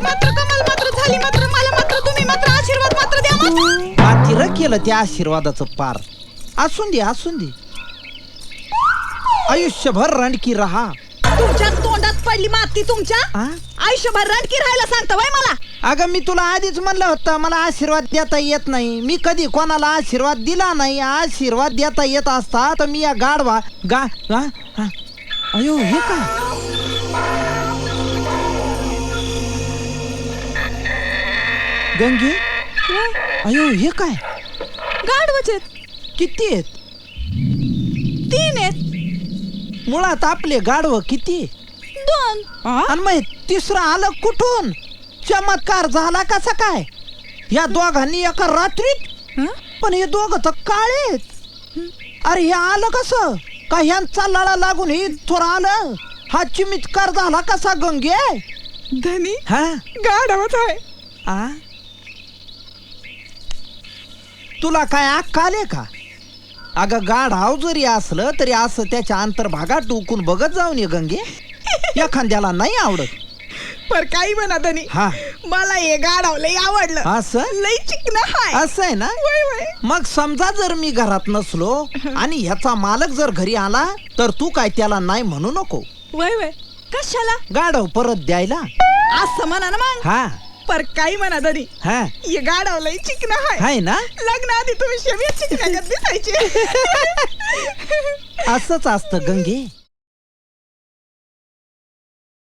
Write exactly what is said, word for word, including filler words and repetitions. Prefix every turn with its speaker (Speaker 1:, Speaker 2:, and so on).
Speaker 1: मात्र कमाल मात्र झाली मात्र मला मात्र तुम्ही मात्र आशीर्वाद मात्र द्या माझा.
Speaker 2: पातीर केलं त्या आशीर्वादाचं पार. असून दे असून दे, आयुष्यभर रणकी रहा.
Speaker 1: तुमच्या तोंडात पडली माती तुमच्या.
Speaker 2: आ?
Speaker 1: आयुष्यभर रणकी राहायला सांगता वय मला.
Speaker 2: अगं मी तुला आधीच म्हणलं होतं मला आशीर्वाद देता येत नाही. मी कधी कोणाला आशीर्वाद दिला नाही. आशीर्वाद देता येत असता तर मी या गाढवा गा गा हा. अयो हे का गंगे, अयो हे काय
Speaker 1: गाढवचे
Speaker 2: किती आहेत?
Speaker 1: तीन आहेत.
Speaker 2: मुळात आपले गाढव किती?
Speaker 1: दोन.
Speaker 2: आणि मग तिसरं आलं कुठून? चमत्कार झाला कसा काय या दोघांनी एका रात्रीत? पण हे दोघ तर काळेत. अरे हे आलं कसं? का ह्यांचा लळा लागून हे थोर आलं? हा चमत्कार झाला कसा गंगे?
Speaker 1: धनी
Speaker 2: हा
Speaker 1: गाढवच आहे.
Speaker 2: आ तुला काय अक्कल आले का? अगं गाढाव जरी असलं तरी असं त्याच्या अंतर्भागात डुकून बघत जाऊन ये गंगे. एखाद्याला नाही आवडत.
Speaker 1: पर काही म्हणा धनी,
Speaker 2: हा
Speaker 1: मला हे गाढव लय आवडलं.
Speaker 2: असं
Speaker 1: लय चिकन हाय.
Speaker 2: असं आहे ना.
Speaker 1: वय वय.
Speaker 2: मग समजा जर मी घरात नसलो आणि ह्याचा मालक जर घरी आला तर तू काय त्याला नाही म्हणू नको.
Speaker 1: वय वय. कशाला?
Speaker 2: गाढव परत द्यायला.
Speaker 1: असं म्हणा ना मग.
Speaker 2: हा
Speaker 1: पर काही म्हणा धनी,
Speaker 2: हा
Speaker 1: हे गाढव लय चिकन हाय.
Speaker 2: हाय ना.
Speaker 1: लग्न आधी तुम्ही शेवट चिकनाच्यात दिसायचे.
Speaker 2: असंच असतं गंगे.